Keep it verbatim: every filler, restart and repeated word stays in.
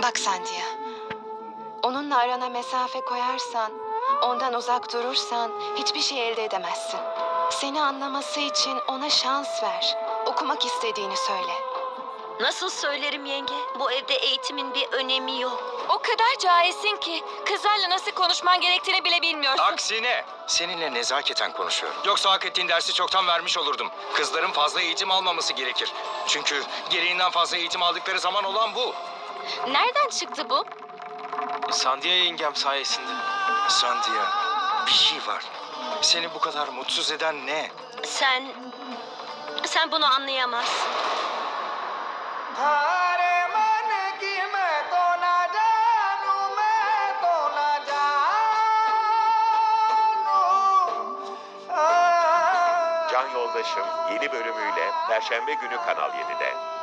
Bak Sandia, onunla arana mesafe koyarsan, ondan uzak durursan hiçbir şey elde edemezsin. Seni anlaması için ona şans ver. Okumak istediğini söyle. Nasıl söylerim yenge? Bu evde eğitimin bir önemi yok. O kadar cahilsin ki kızlarla nasıl konuşman gerektiğini bile bilmiyorsun. Aksine seninle nezaketen konuşuyorum. Yoksa hak ettiğin dersi çoktan vermiş olurdum. Kızların fazla eğitim almaması gerekir. Çünkü gereğinden fazla eğitim aldıkları zaman olan bu. Nereden çıktı bu? Sandia yengem sayesinde. Sandia, bir şey var. Seni bu kadar mutsuz eden ne? Sen... Sen bunu anlayamazsın. Can Yoldaşım yeni bölümüyle Perşembe günü Kanal yedide.